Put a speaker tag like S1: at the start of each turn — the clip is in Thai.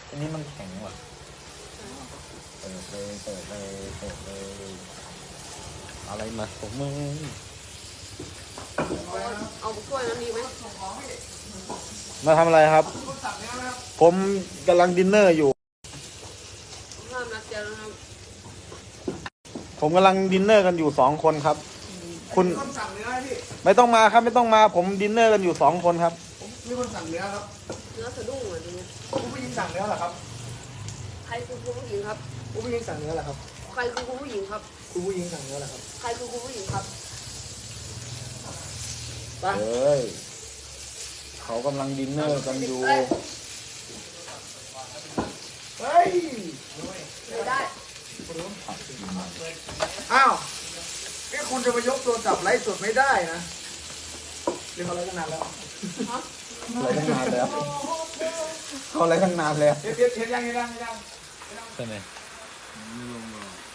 S1: อันนี้มันแข็งว่ะเปิดเลยเปิดเลยเปิดเลยอะไรมาผมมึง
S2: เอาถ้วยนั้นดีไหม
S1: มาทำอะไรครับ ผมกำลังดินเนอร์อยู่
S2: ห้ามนัดเจอนะครับ
S1: ผมกำลังดินเนอร์กันอยู่2 คนครับ คุณ
S3: มีคนสั่งเนื้อให้พี่
S1: ไม่ต้องมาครับไม่ต้องมาผมดินเนอร์กันอยู่2 คนครับ
S3: ผมมีคนสั่งเนื้อครับ
S2: เนื้อสะดุ้งเหมือนนี้
S3: คุณผู้หญิงสั่งเนื้อเหรอครับ
S2: ใครคือคุณผู้หญิงครับ
S3: คุณผู้หญิงสั่งเนื้อเหรอครับ
S2: ใครคือคุณผู้หญิงครับ
S3: คุณผู้หญิงสั่งเนื้อเหรอครับ
S2: ใครคือคุณผู้หญิงครับ
S3: ไป
S1: เฮ้ยเขากำลังดินเนอร์กันอยู่
S3: เฮ้ย
S2: ไม่ได้
S3: อ้าวนี่คุณจะมายกโทรศัพท์ไลฟ์สดไม่ได้นะเรียกเขาไลฟ์ตั้งนานแล้ว
S1: อะไรตั้งนานแล้วเขาอะไรตั้งนานแล้ว
S3: เฮ็ดยัง
S1: ใช่ไหม